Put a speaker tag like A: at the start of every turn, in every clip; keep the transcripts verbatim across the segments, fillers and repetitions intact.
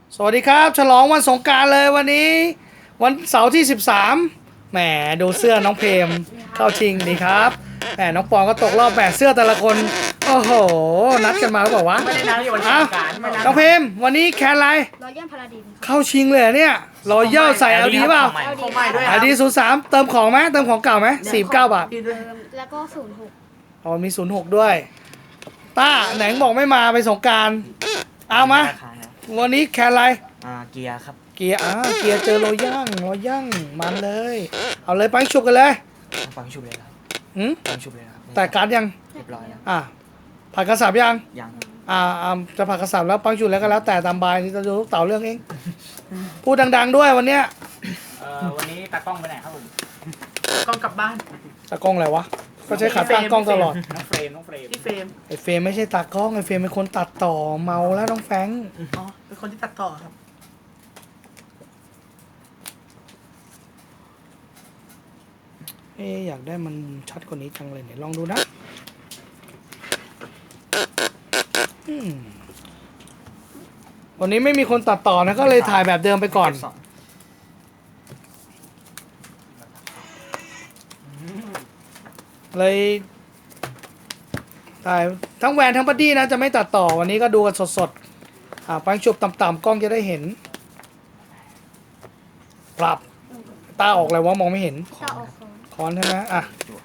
A: สวัสดีครับฉลองวันสงกรานต์เลยวันนี้ วันเสาร์ที่สิบสามแหมดูเสื้อน้องเพมเข้าชิงดีครับแหมน้องปองก็ตกรอบแหมเสื้อแต่ละคนโอ้โหนัดกันมาแล้วบอกว่า
B: ไม่ได้นัดที่วันส
A: อ้าง ว
B: กรานต์ไม่นัด
A: น้องเพมวันนี้แคนอะไร
C: รอยย่นพาราดินค่ะ
A: เข้าชิงเลยเหรอเนี่ยรอยเย่าใส่เอาดีเปล่า
B: ของใหม่ด้วยค
A: ไอ
B: รับ
A: ดีศูนย์สามเติมของไหมเติมของเก่าไหมสี่เก้าบาท
B: ดีด้วย
C: เติมแล้วก็ศูนย์หก
A: อ๋อมีศูนย์หกด้วยต้าไหนบอกไม่มาไปสงกรารเอามาวันนี้แคนอะไร
D: อ่าเกียร์ครับ
A: เกียร์อ่าเกียร์เจอโรย่างโรย่างมันเลย เอาเลยปังฉุบกันเลย
D: ฟังชุบเลยครับ
A: หืม
D: ฟังชุบเลยครับ
A: แต่การดยัง
D: เรียบร้อยแล้ว
A: อ่าผักกระสับยัง
D: ยัง
A: อ่าอ่าจะผักกระสับแล้วปังฉุบแล้วก็แล้วแต่ตามบายนี่จะดูลูกเต่าเรื่องเอง พูดดังๆด้วยวันเนี้ย
B: เอ่อวันนี้ตากล้องไปไหนครับผมกล้องกลับบ้าน
A: ตากล้องอะไรวะก็ใช้ขาตั้งกล้องตลอด
B: น้องเฟรมน้องเฟรมพี่เฟรม
A: ไอเฟรมไม่ใช่ตากล้องไอเฟรมเป็นคนตัดต่อเมาแล้วน้องแฟง
B: อ๋อเป็นคนที่ตัดต่อครับ
A: เอ๊ะอยากได้มันชัดกว่านี้จังเลยเนี่ยลองดูนะอืมวันนี้ไม่มีคนตัดต่อนะก็เลยถ่ายแบบเดิมไปก่อน
D: เบสอง
A: เลยถ่ายทั้งแวนทั้งบัดดี้นะจะไม่ตัดต่อวันนี้ก็ดูกันสดๆอ่าปังชุบต่ำๆกล้องจะได้เห็น ปรับตาออกเลยวะมองไม่เห็น
C: ตาออกของ
A: คอนใช่ไหมอ่ะ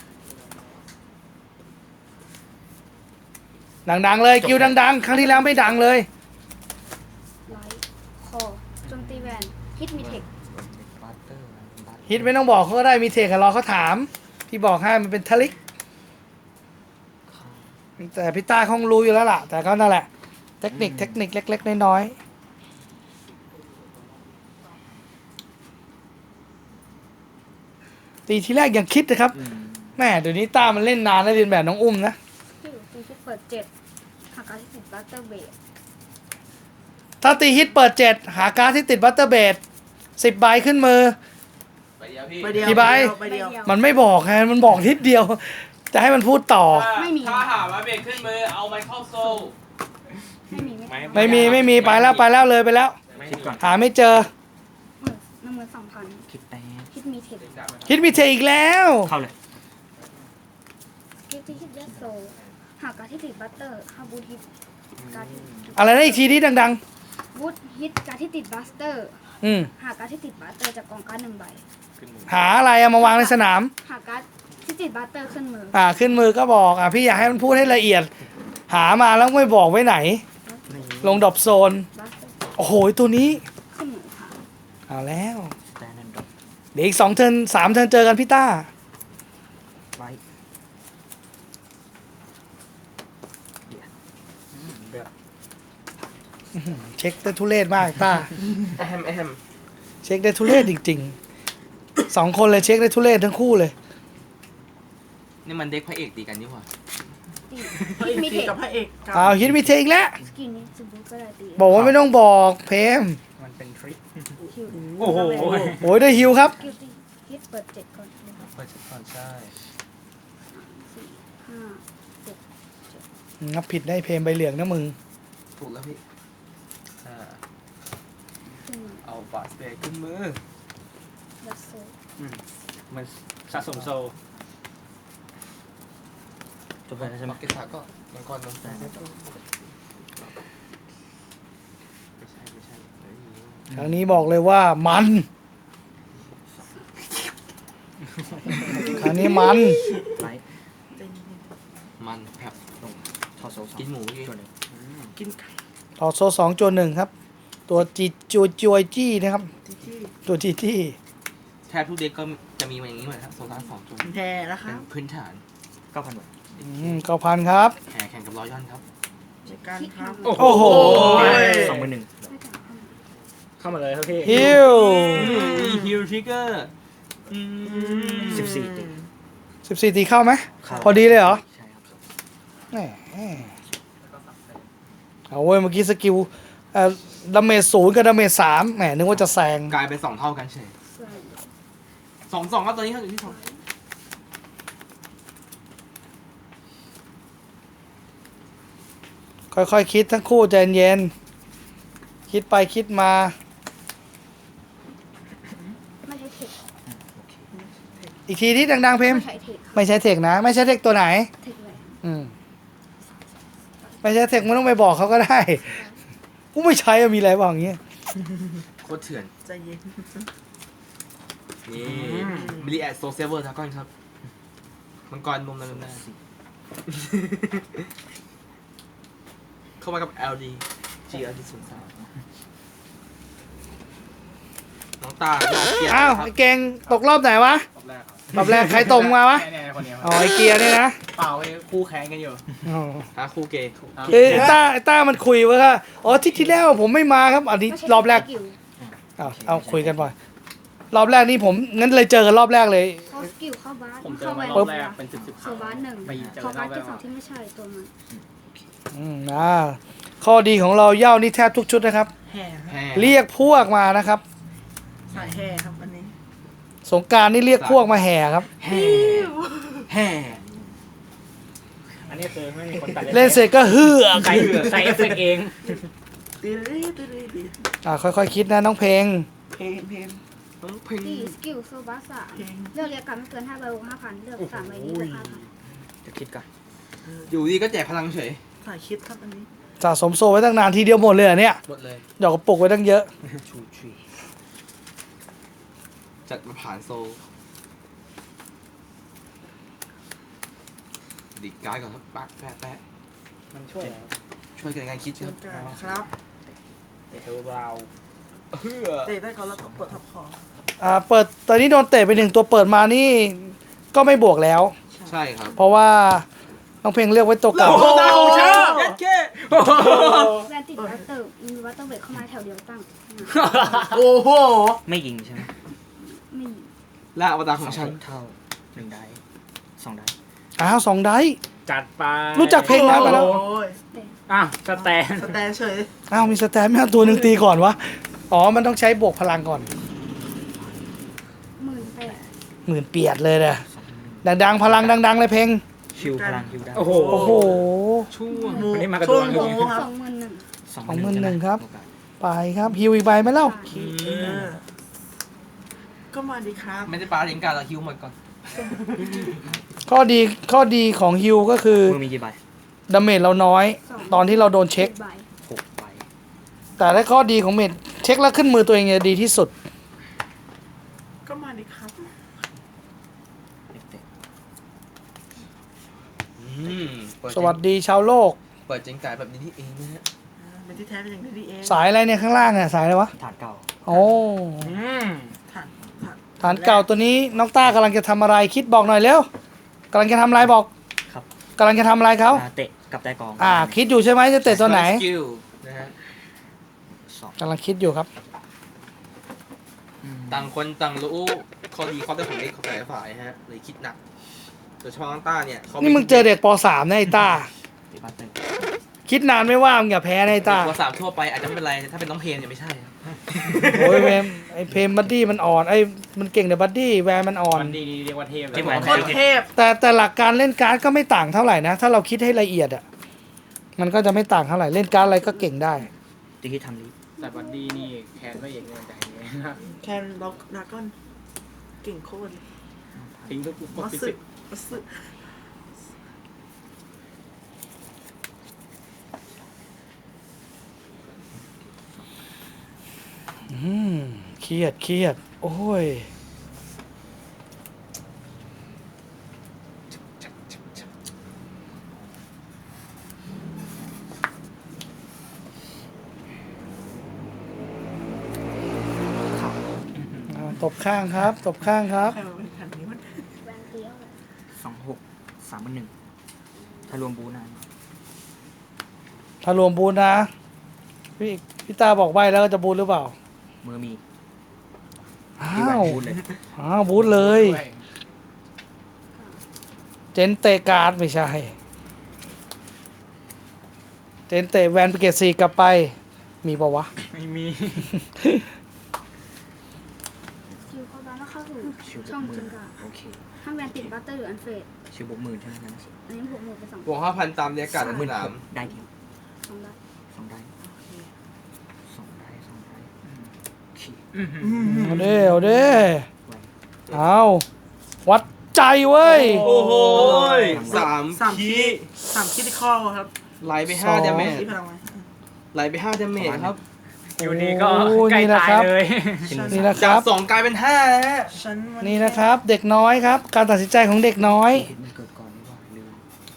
A: ดังๆเลยคิวดังๆ ครั้งที่แล้วไม่ดังเลย
C: ไลท์คอโจมตีแวนฮิตมีเทค
D: บัตเตอร์บัตเตอร์
A: ฮิตไม่ต้องบอกเขาก็ได้มีเทคกับรอเขาถาม พี่บอกให้มันเป็นทลิก แต่พี่ต้าคงรู้อยู่แล้วล่ะ แต่ก็นั่นแหละ เทคนิคเทคนิคเล็กๆน้อยๆตีทีแรกยังคิดนะครับ
D: อืม
A: แม่เดี๋ยวนี้ต้ามันเล่นนานแล้วเรียนแบบน้องอุ้มนะ
C: ที่อยู่ตีที่เปิดเจ็ดหากการที่ติดบัตเตอร์เบส
A: ถ้าตีฮิตเปิดเจ็ดหาการ์ดที่ติดบัตเตอร์เบดสิบใบขึ้นมือ
B: ไปเดียวพี่
C: ใบ
A: กี่ใบ
B: ไปเดียว
A: มันไม่บอกไงมันบอกทิศเดียว จะให้มันพูดต่อ
C: ไม่มี
E: ถ้าหาว่าเบรกขึ้นมือเอาไมเคิลโซล
C: ไม่มีไม่
A: ไม่มีไม่มีไปแล้วไปแล้วเลยไปแล้ว
D: คิดก่อน
A: หาไม่เจอ
C: หมื่นหนึ่งหมื่นสองพัน
D: คิดแต้ม
C: ฮิตมีเทค
A: ฮิตมีเทอีกแล้ว
D: เข้าเลย
C: ฮิตที่ฮิตยัดโซหากการที่ติดบัตเตอร์ฮาบูทฮิตการที่
A: อะไรนะอีกทีนี้ดัง
C: บูทฮิตการที่ติดบัสเตอร์
A: ๆ อืม
C: หากการที่ติดบัสเตอร์จากกองการ์ดหนึ่งใบ
A: หาอะไรเอามาวางในสนาม
C: หากการ์ดที่ติดบัสเตอร์ขึ้นมือ
A: อ่าขึ้นมือก็บอกอ่ะพี่อยากให้มันพูดให้ละเอียด หามาแล้วไม่บอกไว้ไหน
D: นี่
A: ลงดรอปโซน
C: บัสเตอร์
A: โอ้โหตัวนี้
C: ขึ้นมือค่ะ
A: เอาแล้ว
D: สแตนด์ดอป
A: เดี๋ยวอีกสองเทิร์นสามเทิร์นเจอกันพี่ต้า
D: ไลท์เดี๋ยวอืมแบบ
A: เช็คได้ทุเรศมากต้า
B: แอมแอม
A: เช็คได้ทุเรศจริงๆสองคนเลยเช็คได้ทุเรศทั้งคู่เลย
E: นี่มันเด็กพระเอกตีกันนี่หว่า
C: ตี
B: พระ
C: ฮิ
B: เอก
C: ตมี
B: ตี
C: เทค
B: กับพระเอก
A: อ้าวฮิตมีเทอีกแล้ว
C: สกินนี้สบูก็ได้ตี
A: บอกว่าไม่ต้องบอกเพม
D: มันเป็นทริค
C: คิว
B: โอ้โห
A: โอ้ยได้ฮิวครับ
C: คิวตีฮิตเปิดเจ็ดก่อนนะครับ
D: เปิดก่อนใช่
C: สี่ห้า
A: งับผิดได้เพมใบเหลืองนะมึง
E: ถูกแล้วพี่
D: อ่า
C: ขึ้นมือ
E: เอาบาสเบรกขึ้นมือ
C: ยัดโซ
D: มันสะสมโซจบไปแล้วใช่ไหม
E: บักเก็ตสาก็มังกรนนแต่ไม่ใช่ไม่ใช่เฮ้ย
A: ครั้งนี้บอกเลยว่ามัน ครั้งนี้มัน
D: ไลท์
E: มันครับ
D: ลงทอโซสอง
E: กินหมูพี่
D: ตัวหนึ่ง
B: กินไก่
A: ต่อโซสองจวนหนึ่งครับ ตัวจีจวยจวยจี้นะครับ
B: ที่ที่
A: ตัวจีจี้
E: แทบทุกเด็กก็จะมีมาอย่างนี้เหมือนครับโซล่าสองจุด
B: แท้นะค
E: เป็
B: รั
E: น
B: บ
E: พื้นฐาน
D: เก้าพันบาท
A: เก้าพันครับ
E: แข่งแข่งกับรอยย่อนครับ
B: ในการครับ
A: โอ้โห
D: สองหมื่นหนึ่ง
C: ไม่จ่ายเข้ามา
D: เข้ามาเลยครับพี่
A: ฮิว
E: มีฮิลทริกเกอร์
D: สิบสี่ตี
A: สิบสี่ตีเข้าไหม
D: เข้า
A: พอดีเลยเหรอ
D: ใช่ครับ
A: แหมเอาเว้ยเมื่อกี้สกิลเอ่อดาเมจศูนย์กับดาเมจสามแหมนึกว่าจะแซง
E: กลายเป็นสองเท่ากันเฉย
C: เสื้อ
E: สองสองครับตอนนี้เขาอยู่ที่สอง
A: ค่อยๆคิดทั้งคู่ใจเย็นคคิดไปคิดมา
C: ไม่ใช่เทค
D: โอเค
A: อีกทีที่ดังๆเพม
C: ไม่ใช่เทคค่ะ
A: ไม่ใช่เทคนะ ไม่ใช่เทคตัวไหน
C: เทคเลย
A: อืมไม่ใช่เทคไม่ต้องไปบอกเขาก็ได้กูไม่ใช้อะมีอะไรบ้างอย่างเงี้ย
E: โคตรเถื่อน
F: ใจเย็น
E: นี่มิลลิแอดโซเซเวอร์ทากอนครับมังกรนมนั่นน่ะเข้ามากับ แอล ดี จี แอล ดี ศูนย์สามน้องตาหน้าเกลียด
A: อ้าว
E: ครั
A: ไอ้
E: บ
A: เก่งตกรอบไหนวะ
B: รอบแรกครับ
A: รอบแรกใครตรงมาวะ
B: เนี่ยๆคนเนี้ย
A: อ๋อไอเกียร์เนี่ยนะ
B: เปล่าไอ้คู่แข่งกันอยู่
A: อ๋อ
E: หาคู่เกย์
A: เอ้ยไอ้ต้าไอ้ต้ามันคุยว่าอ๋อที่ที่แล้วผมไม่มาครับอันนี้
C: ไม่ใช่
A: รอบแรก
C: สกิล
A: เอาเอาคุยกันบ่อยรอบแรกนี่ผมงั้นเลยเจอกันรอบแรกเลย
C: เขาสกิลเข้าบ้าน
B: ผมเจอ
C: เข้า
B: มา
C: แวน
B: รอบแรกเป็นสิบสิบ
C: เข้าบ้านหนึ่ง
B: ไปเจอ
C: เข้าร
B: อ
C: บ้าน
B: บแร
C: จุด
B: ก
C: สองที่ไม่ใช่ตัวมัน
A: อืมอ่าข้อดีของเราเหย้านี่แทบทุกชุดนะครับ
F: แห่
E: แห่
A: เรียกพวกมานะครับ
F: สายแห่ครับอันนี้
A: สงกรารนี่เรียกพวกมาแห่ครับ
D: แห่แห่
B: อันนี้คือไม่มีคนตัด
A: เล่นเสร็จก็เฮือก
B: ใส่ใส่เอฟเฟกต์เอง
F: ตีรีตีรีตี
A: อ่าค่อยๆคิดนะน้องเพลง
F: เพลงเพลง
E: น้องเพลง
C: ที่สกิลโซบาสาม
F: เพลง
C: เลือกเรียกกันไม่เกินห้าใบบวกห้าพันเลือกสามใบนี้บวกห้าพัน
D: จะคิดก่อน
E: อยู่ดีก็แจกพลังเฉย
F: สายคิดครับอันนี้
A: สะสมโซไว้ตั้งนานทีเดียวหมดเลยเหรอเนี่ย
E: หมดเลย
A: ดอกกระปุกไว้ตั้งเยอะ
D: ชูทรี
E: จัดมาผ่านโซลดิดการ์ดก่อนครับปักแปะแปะ
B: มันช่วยแล้ว
E: ช่วยกันในการคิด
F: เชิ
E: ครั
F: ญ
E: บ
F: กันครับ
B: แต่เทอร์บราว
E: เพื่อ
F: เตะได้ก่อนแล้วก็กดทับคอ
A: อ่าเปิดตอนนี้โดนเตะไปหนึ่งตัวเปิดมานี่ก็ไม่บวกแล้ว
E: ใช่ครับ
A: เพราะว่าน้องเพลงเลือกไว้ตัวเก่า
E: โอ้โหเชิญยัดเข้
C: แวนติดวัตเตอร์มีวัตเตอร์เบรกเข้ามาแถวเดียวตั้ง
E: โอ้โห
D: ไม่ยิงใช่ไหม
C: ไม่
E: ล่าอวตารของฉัน
D: เท่าหนึ่งได้สองได้
A: อ้าวสองได้
B: จัดไป
A: รู้จักเพลงน้อยไปแล้ว
F: โอ้ย
B: อ้าวสแตน
F: สแตนเฉย
A: อ้าวมีสแตนไม่เอาตัวหนึ่งตีก่อนวะอ๋อมันต้องใช้บวกพลังก่อน
C: หมื่นแปด
A: หมื่นเปียดเลยนะดังๆพลังดังๆเลยเพลง
D: คิวพลังคิวได้
B: โอ้โห
A: โอ้โห
E: ช่วง
F: หมู
B: วันนี้มากระโด
F: ช่ว
B: ด
F: ง
B: เลย
F: หมูครับ
C: สองหมื่นหนึ่ง
D: สอง
A: สองหมื่นหนึ่ง
D: ใช่ไ
A: ครับ
D: โอกาส
A: ไปครับฮิวอีกใบไหมเล่า
F: เออก็มาดีครับ
E: ไม่ได้ปาเลี้ยงการเราฮิวหมดก่อน
A: ข้อดีข้อดีของฮิวก็คือ
D: มือมีกี่ใบ
A: ดาเมจเราน้อย ตอนที่เราโดนเช็ค
C: ใบ
D: หกใบ
A: แต่ถ้าข้อดีของเมจเช็คแล้วขึ้นมือตัวเองเนี่ยดีที่สุด
F: ก็มาดีครับ
D: เอฟเฟกต์
E: อืมเปิด
A: สวัสดีชาวโลก
E: เปิดเจงจ่ายแบบนี้นี่เองนะฮะ
F: อ่าเป็นที่แท้เป็นอย่างนี้ดีเอง
A: สายอะไรเนี่ยข้างล่างเนี่ยสายอะไรวะ
D: ฐานเก่า
A: โอ้
B: อืม
F: ฐานฐาน
A: ฐานเก่าตัวนี้น้องต้ากำลังจะทำอะไรคิดบอกหน่อยเร็วกำลังจะทำอะไรบอก
D: ครับ
A: กำลังจะทำอะไรเขา
D: อ่าเตะกับใต้กอง
A: อ่า คิดอยู่ใช่ไหมจะเตะตัวไหน
E: สกิลนะฮะ
D: สอง
A: กำลังคิดอยู่ครับ
D: อืม
E: ต่างคนต่างรู้ข้อดีข้อได้ของเด็กของแต่ละฝ่ายฮะเลยคิดหนักโดยเฉพาะน้องต้าเนี่ยขา
A: นี่มึงเจอเด็กป .สาม นะไอ้ต้า
D: ตีบัตเตอร์
A: คิดนานไม่ว่ามึงอย่าแพ้นะไอ้ต้า
E: ตัวสามทั่วไปอาจจะไม่เป็นไรแต่ถ้าเป็นน้องเพลงเนี่ยไม่ใช่ครับ
A: โอ้ยเวมไอ้เพมบัดดี้มันอ่อนไอ้มันเก่งแต่บัดดี้แวร์มันอ่อน
B: มันดีเรียกว่าเทพเลย
D: ที่เหมือน
F: โคตรเทพ
A: แต่แต่หลักการเล่นการ์ดก็ไม่ต่างเท่าไหร่นะ ถ้าเราคิดให้ละเอียดอ่ะมันก็จะไม่ต่างเท่าไหร่เล่นการ์ดอะไรก็เก่งได้
D: ตีที่ทำลี
B: แต่บัดดี้นี่แคนไม่เอกเงินใจเลยนะ
F: แคนล็อกดราก้อนเก่งโคตร
B: ทิ้งทุกก
F: มั
B: ด
F: ส
B: ฟิ
F: สึ
B: สิก
F: มัสสึ
A: อืมเครียดเครียดโอ้ยอ่าตบข้างครับ ตบข้างครับ
F: ใครมาเป็นแผ่นนี้มัน
C: แวนเตี้ยวเลย
D: สองหกสามพันหนึ่งถ้ารวมบูนาน
A: ถ้ารวมบูธนะ พี่พี่ตาบอกใบแล้วก็จะบูธหรือเปล่า
D: มือมี
A: อ้า
D: ที่แหวน
A: ว
D: บูนเลย
A: อ้าวบูธเลย เจนเตะการ์ดไม่ใช่ เจนเตะแวนไปเกตซีกลับไป มีปะวะ
B: ไม่มี
C: คิวเข้าบ้านแล้วเข้าสู่
D: ชิวบว
C: ช่อก ง
D: หมื่
C: จิ
D: น
C: งกา
D: โอเค
C: ถ้าแวนติดบัตเตอร์หรืออันเฟด
D: ชิวบวกหมื่นใช่ไหมนั้น
C: อันนี้บวกหมื่นไปสอง
E: บวกห้าพันตามเรียกการ์ดหมื่นสาม
D: ได้เดียว
C: สองได้
D: สองได้สองได้ขี้
B: อื้อหือ
A: เอาเด้เอาเด้เอาวัดใจเว้ย
E: โอ้โหสาม
F: สาม
E: คี
F: คีสามคีที่ข้อครับ
E: ไหลไปห้าดาเมจ
F: คีพลังไหม
E: ไหลไปห้าดาเมจครับ
B: อยู่ดีก็
A: โอ้
B: ใกล้
A: นี่นะ
B: ตาย
A: ครับ
B: เลย
A: นี่นะค
E: จา
A: รั
E: ก
A: บ
E: สองกลายเป็นห้านะฮะ
F: ฉันวั
A: นี่นะครับ เด็กน้อยครับ การตัดสินใจของเด็กน้อย
D: เห็นมันเกิดก่อนนี่ว่าลืม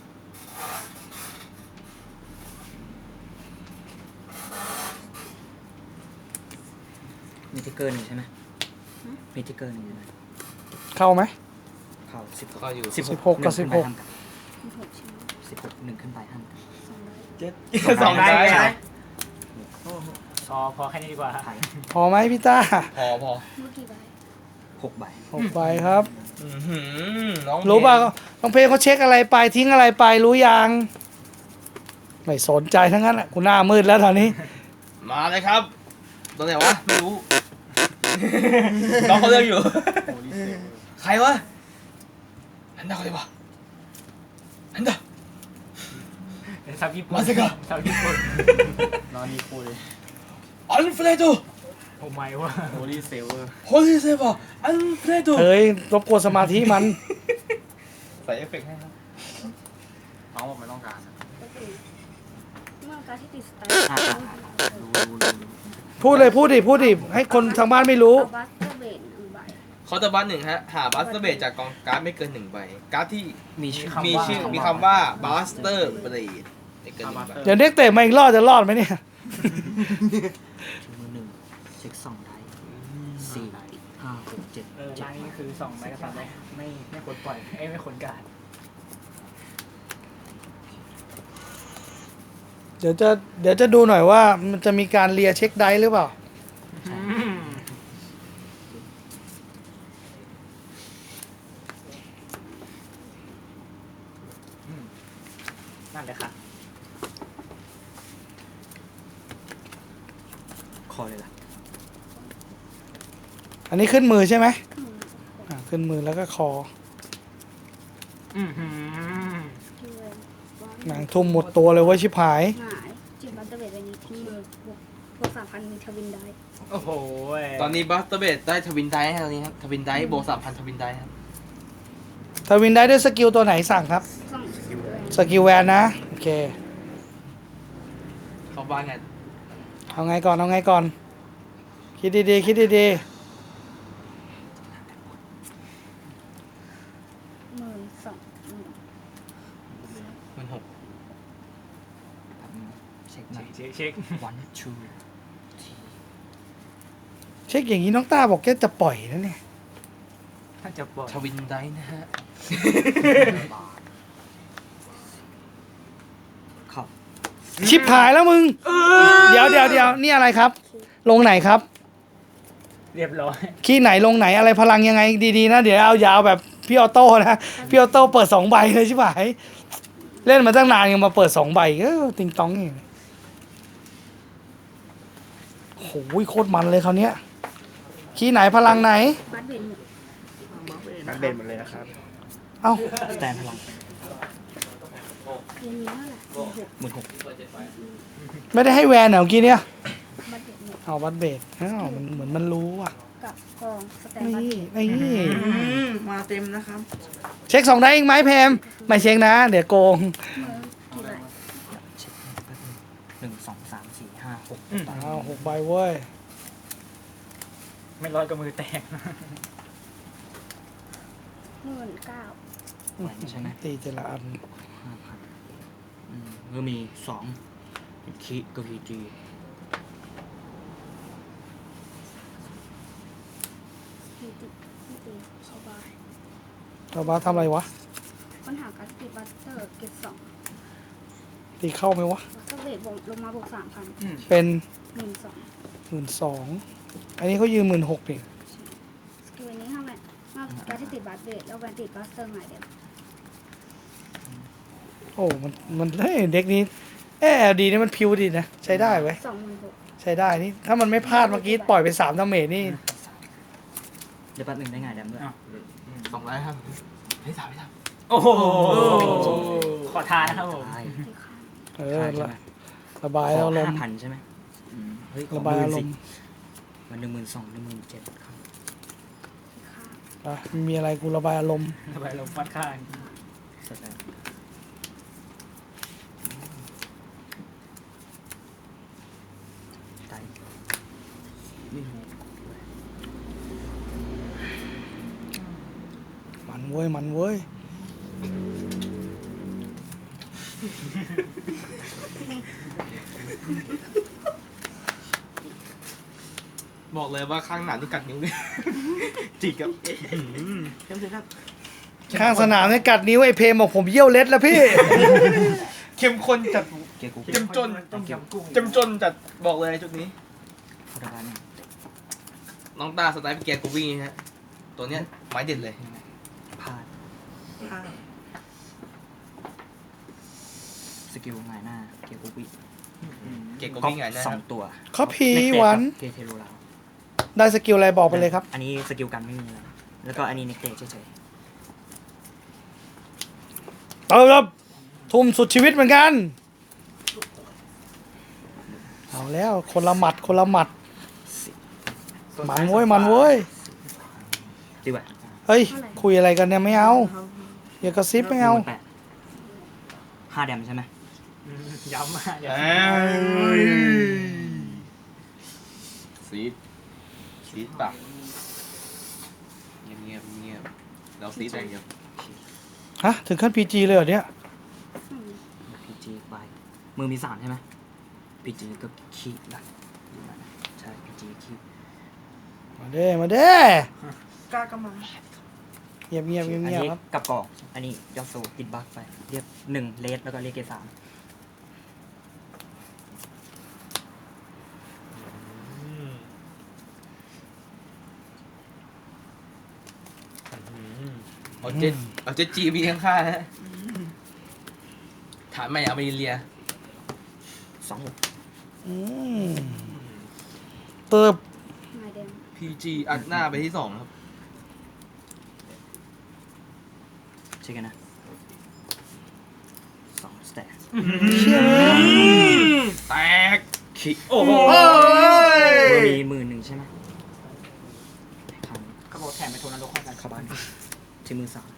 D: มีทิกเกอร์หนึ่งใช่ไหมมีทิกเกอร์หนึ่งใช่ไหม
A: เข้าไหม
D: เข้าสิบ
E: ก็อยู่
A: สิบหกกับสิบหก
C: มีหกชิ้น
D: สิบหกหนึ่งขึ้นไปห้ามกัน
C: สองใบ
E: เจ็ดสองได้
B: ได้
E: ไหม
B: พอพอแค่นี้ดีกว่า
D: ไทย
A: พอไหมพี่ต้า
E: พอพอ
C: เมื่อกี่ใบ
D: หกใบ
A: หกใบครับ
E: อื้อหือน้อง
A: รู้ป่ะ
E: เพลง
A: น้องเพลงเขาเช็คอะไรไปทิ้งอะไรไปรู้ยังไม่สนใจทั้งนั้นแหละกูหน้ามืดแล้วตอนนี้
E: มาเลยครับตัวไหนวะ ไม่รู้ น้องเขาเลือกอยู่ ใครวะฮันดาใครวะฮันดา
B: ซับญี่ปุ่น
E: มาสิครับ
B: ซับญี่ปุ่น
D: นอนดีคูเลย
E: อันเฟรโด
B: โอ้ไม่วะ
D: โฮลี่เซเวอร์
E: โฮลิเซบะอันเฟรโด
A: เฮ้ยรบกวนสมาธิมัน
E: ใส่เอฟเฟกต์ให้ครับ
D: น้องบอกไม่ต้องการ
C: ก็คือเมื่อการที่ติดสไตล์
D: อ่ารู้รู้รู้รู้
A: พูดเลยพูดดิพูดดิให้คนทางบ้านไม่รู้
C: เอาบัสเตอร์เบดหนึ่งใบ
E: คอร์ตบัสหนึ่งฮะ หาบัสเตอร์เบจากกองการ์ดไม่เกินหนึ่งใบ การ์ดที่
D: มีชื่อ
E: มีชื่อมีคำว่าบัสเตอร์เบรดไม่เกินหนึ่งใบ
A: เดี๋ยวเด็กเตะมาอีกรอดจะรอดไหมเนี่ย
D: ชูมือหนึ่งเช็คสองได้สี่ห้าหกเจ็ด
B: เออ
D: เจ็ด
B: ร่างนี้คือสองใบกับสามใบไม่ไม่ควรปล่อยเอ้ยไม่ควรการ
A: เดี๋ยวจะเดี๋ยวจะดูหน่อยว่ามันจะมีการเลียเช็คไดหรือเปล่า
B: อืมอืมนั่นเลยค่ะ
D: คอเลยล่ะ
A: อันนี้ขึ้นมือใช่ไหมอ่าขึ้นมือแล้วก็คอ
B: อือหือ
C: ที่เวนว่า
A: หนังทุ่มหมดตัวเลยเว้ยชิบหาย
C: หงายจิบบัสเตอร์เบดใบนี้ทิ้งมือบวกบวกสามพันมีทวินได้
B: โอ้โห
E: ตอนนี้บัสเตอร์เบดได้ทวินไดท์ฮะตอนนี้ครับทวินไดท์โบสามพันทวินไดท์ครับ
A: ทวินได้ด้วยสกิลตัวไหนสั่งครับ
C: สองสกิลเลย
A: สกิลแวนนะ โอเค
E: เขาบ้านไง
A: เอาไงก่อน เอาไงก่อน คิดดีๆ คิดดี
C: หมื่นสองหมื่น
E: มันหก
D: แบบนี้เช็คหน่อย
B: เช็คเช็ค
D: วันชู
A: ๆ เช็คอย่างนี้น้องต้าบอกแกจะปล่อยนะเนี่ย
B: ถ้าจะปล่อย
E: ทวินไดท์นะฮะ
D: เข้า
A: ชิบหายแล้วมึง เดี๋ยวเดี๋ยวเดี๋ยวนี่อะไรครับ ลงไหนครับ
B: เรียบร้อย
A: ขี้ไหนลงไหนอะไรพลังยังไงดีๆนะ เดี๋ยวเอายาวแบบพี่ออโต้นะ พี่ออโต้เปิดสองใบเลยชิบหาย เล่นมาตั้งนานยังมาเปิดสองใบเออติงตองนี่โอ้ยโคตรมันเลยคราวเนี้ยขี้ไหนพลังไหน
C: บัสเบดหมด
F: นักเด่นหมดเลยนะครับ
A: เอ้า
D: สแตนพลัง
C: เรียนนี้เท่าไหร่หมื่นหก
D: หมื่นหก
A: ไม่ได้ให้แวนเหรอเมื่อกี้เนี่ย
C: บัสเบดหมด
A: เอาวัดเบสอ้าวมันเหมือนมันรู้อ่ะ
C: กับกองสแตนบัส
A: นี่
C: เบด
A: นี่
F: อืมมาเต็มนะครับ
A: เช็คสองได้อีกไหมเพมไม่เช็คนะ เดี๋ยวโกง
C: เมื่อกี่ใบ
D: เช็คแป๊บนึงหนึ่งสองสามสี่ห้าหก
B: อืม
A: อ้าวหกใบเว้ย
B: ไม่ร้อยก็มือแตก
C: หมื่นเก้า
D: ไหวใช่ไหม
A: ตีแต่ละอัน
D: ห้าพันอืมก็มีสองเป็นคีกับพีจี
C: พี่ติพี่ตีสบาย
A: เราบ้าทำอะไรวะ
C: ปัญหาการติดบัสเตอร์เก็บสอง
A: ตีเข้าไหมวะ
C: บัสเตอร์เบดบวกลงมาบวกสามพัน
A: เป็น
C: หมื่นสอง
A: หมื่นสองอันนี้เขายืมหมื่นหกดิ
C: สกิลนี้ทำไมนอกการที่ติดบัสเบดแล้วแวนติดบัสเตอร์หงายเดียว
A: โอ้ มัน มันเฮ้ยเด็กนี้เออดีนี่มันพิวดีนะ ใช้ได้ไว้ย
C: สองหมื่นหก
A: ใช้ได้นี่ ถ้ามันไม่พลาดเมื่อกี้ปล่อยไปสามดาเมจนี่
D: เดี๋ยวแป๊บนึงได้ไงแดมด้วย
B: อ้าว
E: สองไดท์ครับเฮ้ยถามไม่ถาม
B: โอ้โห ขอทานนะครับผม
D: ตาย
C: ที่ข้าง
A: เออ
D: ใช่ไหม
A: ระระบายอารม
D: ห้า
A: ณ์
D: พันใช่ไหมอืมเฮ้ยขอ
A: ระบาย
D: หมื่
A: อาน ร
D: สิ
A: มณ์
D: มันหนึ่งหมื่นสองหนึ่งหมื่นเจ็ดครับ
A: อ่ะมีอะไรกูระบายอารมณ์
B: ไปลงฟัดข้าง
D: สแตนไตไม่รู้
A: มันเว้ยมันเว้ย
E: บอกเลยว่าข้างหนาที่กัดนิ้วเนี่ย จิกครับ
F: เข้มเสร็จครับ
A: ข้างสนามเนี่ยกัดนิ้วไอ้เพมบอกผมเยี่ยวเล็ดแล้วพี่
E: เข้มข้นจัด
D: เกียร์กู
E: เจ้มจน
B: ต้มยำกุ้ง
E: เจ้มจนจัดบอกเลยจุดนี้
D: พอดการเนี่ย
E: น้องตาสไตล์เกียร์กูวี่ฮะตัวเนี้ยไม้เด็ดเลย
D: พลาด
F: อ่า
D: สกิลหงายหน้า เกียร์กูวิ
E: เกียร์กู
D: ก็
E: วี่ไงนะ
D: สองตัว
A: เขาพี
D: เน็กเต
A: หวัน
D: เกเทโรลาว
A: ได้สกิลอะไรบอกไปเลยครับ
D: อันนี้สกิลกันไม่มีอะไรแล้วก็อันนี้เน็กเตเฉย
A: เติมครับทุ่มสุดชีวิตเหมือนกัน เอาแล้วคนละหมัดคนละหมัด มันเว้ยมันเว้ย
D: ๆดีกว่า
A: เฮ้ย คุยอะไรกันเนี่ยไม่เอา อย่ากระซิบไม่เอา
D: แปดห้าแดมใช่ไหม
B: ย้ำมากอย่า
E: เอ้ยซีดซีดปะเงียบเงียบเงียบเราซีดอะไรเงียบ
A: ฮะ ถึงขั้นพีจีเลยเหรอเนี่ย
D: พีจีไปมือมีสามใช่ไหมพีจีก็คีบดักใช่พีจีคีบ
A: มาเด้มาเด้
F: กล้าก็มา
A: เงียบเงียบเงียบ
D: อัน
A: เงียบ
D: นี้
A: ครับ
D: กับกล่องอันนี้ยอดโซติดบัคไปเรียกหนึ่งเลสแล้วก็เรียกเกรดสาม
E: เอาเจ็ดเอาเจ็ดจีบีข้างๆฮะฐานใหม่เอาไปเรีย
D: สองหก
A: อืมเติบ
C: ไม้แดง
E: พีจีอัดหน้าไปที่สองครับ
D: ใช่กันนะสองสแตท
A: เชี่ยเลย
E: แตก
D: คี
E: โอ้โห
D: มือมีหมื่นหนึ่งใช่ไหมครั้ง
B: เขาบอกแถมไปโทนนรกเข้ากัน
D: เข้าบ้านที่มือสาม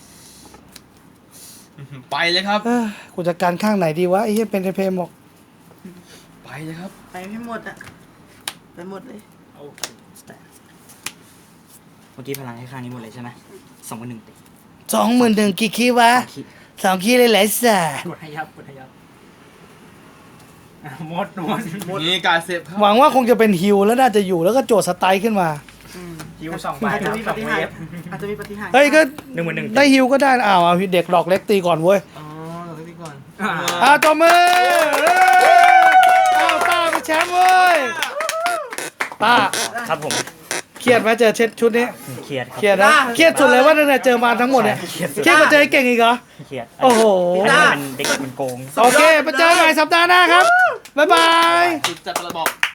E: ไปเลยครับ
A: เอ้ยกูจะการข้างไหนดีวะไอ้เหี้ยเป็นไอ้เพมบอก
E: ไปเลยครับ
F: ไปให้หมดอ่ะ ไปหมดเลย
B: โอเค
D: สแตทเมื่อกี้พลังให้ข้างนี้หมดเลยใช่ไหมสองกับหนึ่งติด
A: สองหมื่นหนึ่งกี่คีวะ
D: สองขีด
A: สองคีเลยแหละสัส
B: กดให้ยับกดให้ยับอ่ะหมดหมด
E: นี่การเซฟครับ
A: หวังว่าคงจะเป็นฮิวแล้วน่าจะอยู่แล้วก็โจทย์สไตล์ขึ้นมา
F: อืม
B: คิวสองใบ
F: อาจ
B: ค
F: จะ
B: รับ
F: มี
B: ส
F: ป
B: อง
F: ฏิ
B: เว
F: หาร
B: ฟ
F: อาจจะมีปฏิหาร
A: เฮ้ยก็
D: หนึ่งหมื่นหนึ่ง
A: ได้ฮิวก็ได้อ้าวเอาเด็กดอกเล็กตีก่อนเว้ย
E: อ๋อเราไปก่อน
B: อ่า
A: อ้าวตัวมืออ้าวต้าเป็นแชมป์เว้ยต้า
D: ครับผม
A: เครียดไหมเจอเช็ดชุดนี้
D: เครียดครับ
A: เครียดนะเครียดสุดเลยว่าตั้งแต่เจอมาทั้งหมดเนี่ย
D: เครียดสุด
A: เครียดกว่าเจอไอ้เก่งอีกเหรอ
D: เครียด
A: โอ้โห
D: อันนี้มันเด็กมันโกง
A: โอเคไปเจอกันใหม่สัปดาห์หน้าครับบ๊ายบาย
E: จุดจัดระบอก